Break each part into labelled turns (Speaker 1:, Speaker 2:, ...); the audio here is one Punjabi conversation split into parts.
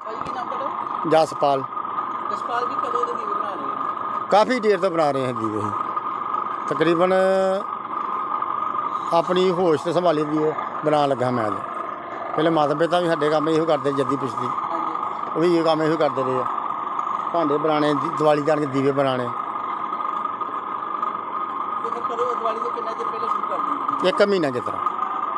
Speaker 1: ਜਸਪਾਲ।
Speaker 2: ਜਸਪਾਲ ਜੀ ਕਦੋਂ ਦੇ ਦੀਵੇ ਬਣਾ ਰਹੇ ਹੋ?
Speaker 1: ਕਾफ़ी देर तो बना रहे हैं दीवे ही, तकरीबन अपनी होश तो संभाली दीवे बना लगा मैं तो। पहले माता पिता भी साढ़े काम यो करते जद्दी पिछली,
Speaker 2: ਹਾਂਜੀ
Speaker 1: वो भी ये काम यो करते रहे, भांडे बनाने दिवाली जान के दीवे बनाने।
Speaker 2: ਤੇ ਫਿਰ ਕਦੋਂ ਦੀਵਾਲੀ ਤੋਂ ਕਿੰਨਾ ਚਿਰ ਪਹਿਲਾਂ ਸ਼ੁਰੂ ਕਰ ਦਿੰਦੇ?
Speaker 1: एक महीना की तरह,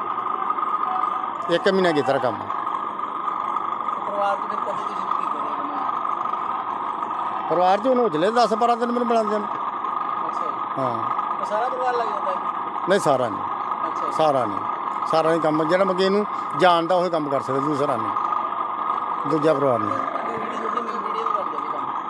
Speaker 1: एक महीना की तरह काम।
Speaker 2: ਪਰਿਵਾਰ 'ਚ ਫਿਰ ਕਦੋਂ ਤੋਂ ਸ਼ੁਰੂ ਕੀਤਾ ਰਹੇ ਬਣਾਉਣਾ?
Speaker 1: परिवार च हूँ चले 10-12 दिन मैंने बनाते हैं।
Speaker 2: ਅੱਛਾ ਜੀ।
Speaker 1: हाँ
Speaker 2: ਤਾਂ ਸਾਰਾ ਪਰਿਵਾਰ ਲੱਗ ਜਾਂਦਾ ਹੈ?
Speaker 1: नहीं सारा नहीं,
Speaker 2: ਅੱਛਾ ਜੀ।
Speaker 1: सारा नहीं काम जो मगे जानता वो काम कर सकते, दूसरा नहीं, दूजा परिवार नहीं।
Speaker 2: ਤੁਹਾਡੀ ਵੀਡੀਓ ਜਿਹੜੀ ਮੇਰੀ ਵੀਡੀਓ ਕਰਦੇ ਨੇ ਕੰਮ।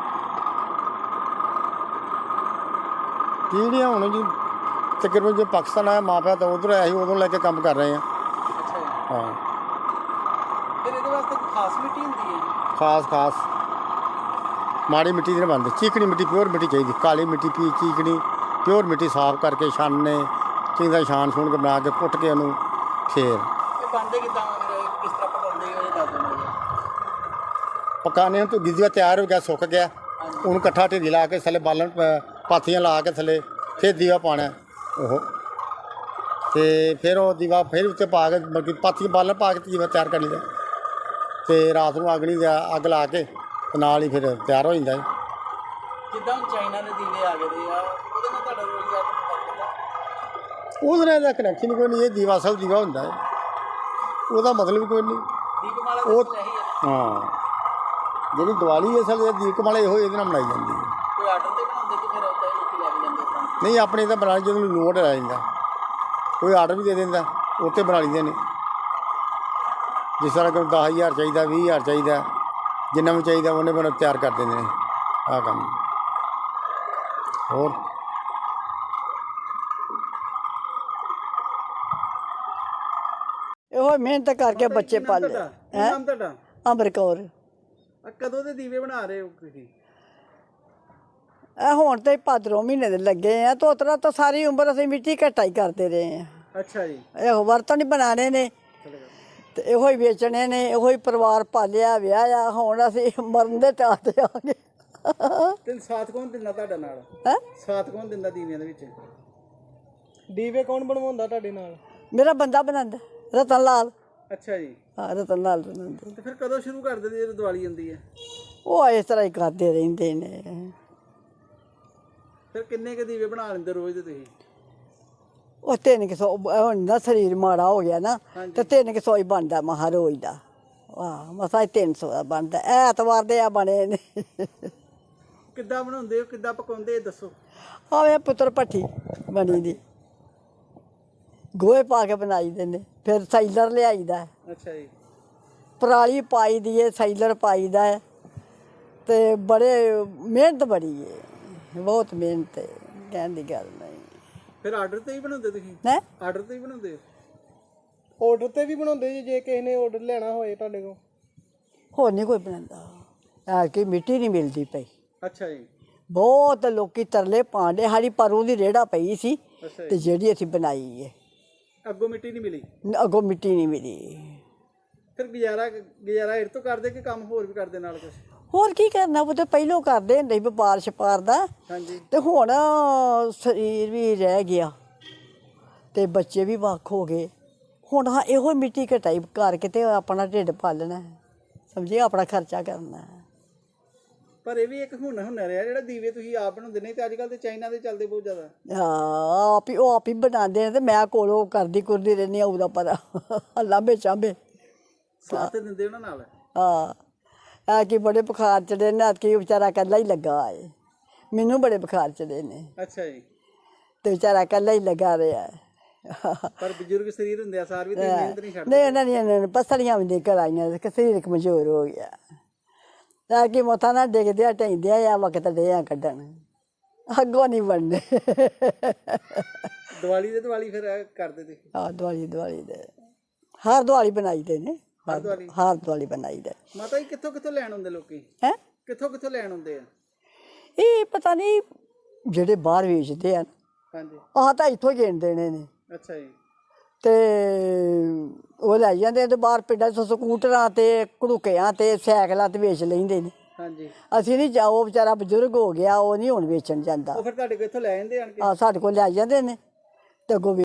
Speaker 1: पीढ़ियाँ हूँ जी तकरीबन जो पाकिस्तान आया माँ प्या तो उधर आया ही उदों लैके काम कर रहे हैं।
Speaker 2: ਅੱਛਾ ਜੀ।
Speaker 1: हाँ
Speaker 2: ਫਿਰ ਇਹਦੇ ਵਾਸਤੇ ਕੋਈ ਖਾਸ ਮਿੱਟੀ ਹੁੰਦੀ ਹੈ ਜੀ?
Speaker 1: खास माड़ी मिट्टी नहीं बनती, चीकनी मिट्टी प्योर मिट्टी चाहिए, काली मिट्टी पी चीकनी प्योर मिट्टी साफ करके छानने चंगी तरह छान छून के बना के पुट के उन्होंने फेर
Speaker 2: ਇਹ ਬਣਦੇ ਕਿੱਦਾਂ ਫਿਰ ਕਿਸ ਤਰ੍ਹਾਂ ਪਕਾਉਂਦੇ ਹੋ ਇਹ ਦੱਸ ਦਿਓ ਮੈਨੂੰ।
Speaker 1: पकाने तो गिद्दिया तैयार हो गया, सुक गया, उन्होंने कट्ठा ढेरी ला के थले बालन पाथियाँ ला के थले फिर दीवा पाना ओहो तो फिर वो दीवा फिर उत्ते पा के बल्कि पाथियाँ बालन पा के दीवा तैयार कर लिया तो रात को अग नहीं अग ला के ते नाल ही फिर तैयार हो जाता है।
Speaker 2: ਜਿੱਦਾਂ ਹੁਣ ਚਾਈਨਾ ਦੇ ਦੀਵੇ ਆ ਗਏ ਦੇ ਆ ਉਹਦੇ ਨਾਲ ਤੁਹਾਡਾ ਰੋਜ਼ਗਾਰ ਦਾ ਫਰਕ ਹੁੰਦਾ?
Speaker 1: ਉਹਦੇ कनैक्शन कोई नहीं, ये दीवा असल दीवा होंदा है, ਉਹਦਾ मतलब कोई नहीं।
Speaker 2: ਦੀਪਮਾਲਾ
Speaker 1: ਉਹ
Speaker 2: ਤਾਂ ਇਹੀ ਹੈ।
Speaker 1: हाँ ਜਿਹੜੀ ਦੀਵਾਲੀ ਅਸਲ ਦੀਪਮਾਲਾ ਇਹੋ ਇਹਦੇ ਨਾਲ ਮਨਾਈ ਜਾਂਦੀ ਹੈ।
Speaker 2: ਕੋਈ ਆਰਡਰ ਤੇ ਬਣਾਉਂਦੇ ਕਿ ਫਿਰ ਉੱਦਾਂ ਹੀ ਲੋਕੀ ਲੈ ਕੇ ਜਾਂਦੇ ਤਾਂ?
Speaker 1: ਨਹੀਂ ਆਪਣੇ ਤਾਂ ਬਣਾ ਜਦੋਂ ਲੋਡ ਆ ਜਾਂਦਾ ਕੋਈ ਆਰਡਰ ਵੀ ਦੇ ਦਿੰਦਾ ਉੱਤੇ ਬਣਾ ਲਈਦੇ ਨੇ, ਜਿਸ ਤਰ੍ਹਾਂ ਕਿ 10,000 ਚਾਹੀਦਾ 20,000 ਚਾਹੀਦਾ ਜਿੰਨਾ ਵੀ ਚਾਹੀਦਾ ਉਹਨੇ ਬਣਾ ਤਿਆਰ ਕਰ ਦਿੰਦੇ ਨੇ ਆਹ ਕੰਮ। ਹੋਰ
Speaker 3: ਇਹੋ ਮਿਹਨਤ ਕਰਕੇ ਬੱਚੇ ਪਾਲੇ
Speaker 2: ਕੀ
Speaker 3: ਹੈ।
Speaker 2: ਨਾਮ ਤੁਹਾਡਾ?
Speaker 3: ਅਮਰ ਕੌਰ।
Speaker 2: ਆ ਕਦੋਂ ਦੇ ਦੀਵੇ ਬਣਾ ਰਹੇ ਹੋ ਤੁਸੀਂ?
Speaker 3: ਇਹ ਹੁਣ ਤੇ ਭਾਦਰੋਂ ਮਹੀਨੇ ਦੇ ਲੱਗੇ ਆ, ਤੋਤਰਾ ਤਾਂ ਸਾਰੀ ਉਮਰ ਅਸੀਂ ਮਿੱਟੀ ਘਟਾ ਹੀ ਕਰਦੇ ਰਹੇ ਆ।
Speaker 2: ਅੱਛਾ ਜੀ।
Speaker 3: ਇਹੋ ਬਰਤਨ ਹੀ ਬਣਾਣੇ ਨੇ ਤੇ ਇਹੋ ਹੀ ਵੇਚਣੇ ਨੇ, ਇਹੋ ਹੀ ਪਰਿਵਾਰ ਪਾਲਿਆ ਵਿਆਹਿਆ, ਹੁਣ ਅਸੀਂ ਮਰਨ ਦੇ ਟਾਹ ਤੇ ਆ ਗਏ।
Speaker 2: ਤੇ ਸਾਥ ਕੌਣ ਦਿੰਦਾ ਤੁਹਾਡਾ ਨਾਲ?
Speaker 3: ਹੈ
Speaker 2: ਸਾਥ ਕੌਣ ਦਿੰਦਾ ਦੀਵਿਆਂ ਦੇ ਵਿੱਚ? ਦੀਵੇ ਕੌਣ ਬਣਵਾਉਂਦਾ ਤੁਹਾਡੇ ਨਾਲ?
Speaker 3: ਮੇਰਾ ਬੰਦਾ ਬਣਾਉਂਦਾ ਰਤਨ ਲਾਲ।
Speaker 2: ਅੱਛਾ ਜੀ।
Speaker 3: ਹਾਂ ਰਤਨ ਲਾਲ ਬਣਾਉਂਦਾ।
Speaker 2: ਤੇ ਫਿਰ ਕਦੋਂ ਸ਼ੁਰੂ ਕਰ ਦਿੰਦੇ ਜਦੋਂ ਦੀਵਾਲੀ ਆਉਂਦੀ ਹੈ?
Speaker 3: ਉਹ ਇਸ ਤਰ੍ਹਾਂ ਹੀ ਕਰਦੇ ਰਹਿੰਦੇ ਨੇ।
Speaker 2: ਫਿਰ ਕਿੰਨੇ ਕੁ ਦੀਵੇ ਬਣਾ ਲੈਂਦੇ ਰੋਜ਼ ਦੇ ਤੁਸੀਂ?
Speaker 3: ਉਹ 300 ਹੁਣ ਨਾ ਸਰੀਰ ਮਾੜਾ ਹੋ ਗਿਆ ਨਾ ਤੇ 300 ਹੀ ਬਣਦਾ ਮਹਾ ਰੋਜ਼ ਦਾ। ਵਾਹ ਮਸਾ 300 ਦਾ ਬਣਦਾ, ਐਤਵਾਰ ਦੇ ਆ ਬਣੇ ਨੇ।
Speaker 2: ਕਿੱਦਾਂ ਬਣਾਉਂਦੇ ਹੋ, ਕਿੱਦਾਂ ਪਕਾਉਂਦੇ ਦੱਸੋ?
Speaker 3: ਆਵੇ ਪੁੱਤਰ ਭੱਠੀ ਬਣੀ ਦੀ, ਗੋਹੇ ਪਾ ਕੇ ਬਣਾਈ ਦੇ ਨੇ, ਫਿਰ ਸਾਈਲਰ ਲਿਆਈਦਾ,
Speaker 2: ਅੱਛਾ ਜੀ।
Speaker 3: ਪਰਾਲੀ ਪਾਈ ਦੀ ਹੈ, ਸਾਈਲਰ ਪਾਈਦਾ ਹੈ ਤੇ ਬੜੇ ਮਿਹਨਤ ਬੜੀ ਹੈ, ਬਹੁਤ ਮਿਹਨਤ ਹੈ, ਕਹਿਣ ਦੀ ਗੱਲ ਨਹੀਂ।
Speaker 2: ਫਿਰ ਆਰਡਰ ਤੇ ਹੀ ਬਣਾਉਂਦੇ ਤੁਸੀਂ?
Speaker 3: ਹੈ
Speaker 2: ਆਰਡਰ ਤੇ ਹੀ ਬਣਾਉਂਦੇ ਹੋ? ਆਰਡਰ ਤੇ ਵੀ ਬਣਾਉਂਦੇ ਜੀ, ਜੇ ਕਿਸੇ ਨੇ ਆਰਡਰ ਲੈਣਾ ਹੋਏ ਤੁਹਾਡੇ ਕੋਲ?
Speaker 3: ਹੋਰ ਨਹੀਂ ਕੋਈ ਬਣਾਉਂਦਾ, ਐ ਕਿ ਮਿੱਟੀ ਨਹੀਂ ਮਿਲਦੀ ਪਈ।
Speaker 2: ਅੱਛਾ ਜੀ।
Speaker 3: ਬਹੁਤ ਲੋਕੀ ਤਰਲੇ ਪਾਉਂਦੇ, ਸਾਡੀ ਪਰੂ ਦੀ ਰੇੜਾ ਪਈ ਸੀ
Speaker 2: ਅੱਛਾ
Speaker 3: ਤੇ ਜਿਹੜੀ ਅਸੀਂ ਬਣਾਈ ਹੈ,
Speaker 2: ਅੱਗੋਂ ਮਿੱਟੀ ਨਹੀਂ ਮਿਲੀ?
Speaker 3: ਅੱਗੋਂ ਮਿੱਟੀ ਨਹੀਂ ਮਿਲੀ।
Speaker 2: ਫਿਰ ਗੁਜ਼ਾਰਾ ਇਹ ਤੋਂ ਕਰਦੇ ਕਿ ਕੰਮ ਹੋਰ ਵੀ ਕਰਦੇ ਨਾਲ ਕੁਝ?
Speaker 3: ਹੋਰ ਕੀ ਕਰਨਾ, ਉਹ ਤਾਂ ਪਹਿਲੋਂ ਕਰਦੇ ਹੁੰਦੇ ਸੀ ਵਪਾਰ ਛਪਾਰ ਦਾ,
Speaker 2: ਹਾਂਜੀ।
Speaker 3: ਤੇ ਹੁਣ ਸਰੀਰ ਵੀ ਰਹਿ ਗਿਆ ਤੇ ਬੱਚੇ ਵੀ ਵੱਖ ਹੋ ਗਏ। ਹੁਣ ਹਾਂ ਇਹੋ ਮਿੱਟੀ ਘਟਾਈ ਕਰਕੇ ਤੇ ਆਪਣਾ ਢਿੱਡ ਪਾਲਣਾ, ਸਮਝੇ, ਆਪਣਾ ਖਰਚਾ ਕਰਨਾ।
Speaker 2: ਪਰ ਇਹ ਵੀ ਇੱਕ ਹੁਨਰ ਹੈ ਜਿਹੜਾ ਦੀਵੇ ਤੁਸੀਂ ਆਪ ਬਣਾਉਂਦੇ, ਨਹੀਂ ਤੇ ਅੱਜ ਕੱਲ੍ਹ ਤੇ ਚਾਈਨਾ ਦੇ ਚੱਲਦੇ ਬਹੁਤ ਜ਼ਿਆਦਾ।
Speaker 3: ਹਾਂ ਆਪ ਹੀ ਬਣਾਉਂਦੇ ਨੇ ਤੇ ਮੈਂ ਕੋਲੋਂ ਕਰਦੀ ਕੁਰਦੀ ਰਹਿੰਦੀ ਹਾਂ, ਉਹਦਾ ਪਤਾ ਲਾਂਬੇ ਚਾਂਬੇ
Speaker 2: ਸਾਥ ਦਿੰਦੇ ਉਹਨਾਂ ਨਾਲ?
Speaker 3: ਹਾਂ ਐ ਕਿ ਬੜੇ ਬੁਖਾਰ ਚੜੇ ਨੇ, ਕਿ ਵਿਚਾਰਾ ਇਕੱਲਾ ਹੀ ਲੱਗਾ ਏ, ਮੈਨੂੰ ਬੜੇ ਬੁਖਾਰ ਚੜੇ ਨੇ
Speaker 2: ਅੱਛਾ ਜੀ।
Speaker 3: ਤੇ ਵਿਚਾਰਾ ਇਕੱਲਾ ਹੀ ਲੱਗਾ ਰਿਹਾ।
Speaker 2: ਪਰ ਬਜ਼ੁਰਗ ਸਰੀਰ ਹੁੰਦੇ ਆ ਸਾਰ ਵੀ ਤੇ ਮਿਹਨਤ ਨਹੀਂ ਛੱਡਦੇ?
Speaker 3: ਨਹੀਂ ਉਹਨਾਂ ਦੀਆਂ ਪਸਲੀਆਂ ਵੀ ਨਿਕਲ ਆਈਆਂ, ਸਰੀਰ ਕਮਜ਼ੋਰ ਹੋ ਗਿਆ, ਤਾਂ ਕਿ ਮੋਥਾ ਨਾ ਡਿੱਗਦਿਆ ਢੈਂਦਿਆ ਆ ਵਕਤ ਡਿਆਂ ਕੱਢਣ, ਅੱਗੋਂ ਨਹੀਂ ਬਣਨੇ।
Speaker 2: ਦੀਵਾਲੀ ਫਿਰ ਕਰਦੇ ਤੇ?
Speaker 3: ਹਾਂ ਦੀਵਾਲੀ ਦੇ ਹਰ ਦੀਵਾਲੀ ਬਣਾਈ ਦੇ ਨੇ, ਹਰ ਦੀਵਾਲੀ ਬਣਾਈ ਦੇ।
Speaker 2: ਮਾਤਾ ਜੀ ਕਿੱਥੋਂ ਲੈਣ ਆਉਂਦੇ ਲੋਕੀ?
Speaker 3: ਹੈ
Speaker 2: ਕਿੱਥੋਂ ਲੈਣ ਆਉਂਦੇ ਆ?
Speaker 3: ਇਹ ਪਤਾ ਨਹੀਂ ਜਿਹੜੇ ਬਾਹਰ ਵੇਚਦੇ ਆ,
Speaker 2: ਹਾਂਜੀ।
Speaker 3: ਆਹ ਤਾਂ ਇੱਥੋਂ ਹੀ ਗਿਣ ਦੇਣੇ ਨੇ।
Speaker 2: ਅੱਛਾ ਜੀ।
Speaker 3: ਤੇ ਉਹ ਲੈ ਜਾਂਦੇ ਤੇ ਬਾਹਰ ਪਿੰਡਾਂ 'ਚ ਸਕੂਟਰਾਂ ਤੇ ਘੜੂਕਿਆਂ ਤੇ ਸਾਈਕਲਾਂ ਤੇ ਵੇਚ ਲੈਂਦੇ ਨੇ।
Speaker 2: ਹਾਂਜੀ,
Speaker 3: ਅਸੀਂ ਨਹੀਂ ਜਾ, ਉਹ ਵਿਚਾਰਾ ਬਜ਼ੁਰਗ ਹੋ ਗਿਆ, ਉਹ ਨਹੀਂ ਹੁਣ ਵੇਚਣ ਜਾਂਦਾ।
Speaker 2: ਉਹ ਫਿਰ ਤੁਹਾਡੇ ਕੋਲ ਇੱਥੋਂ ਲੈ ਜਾਂਦੇ ਆਣ ਕੇ?
Speaker 3: ਆ ਸਾਡੇ ਕੋਲ ਲੈ ਜਾਂਦੇ ਨੇ ਤੇ ਅੱਗੋਂ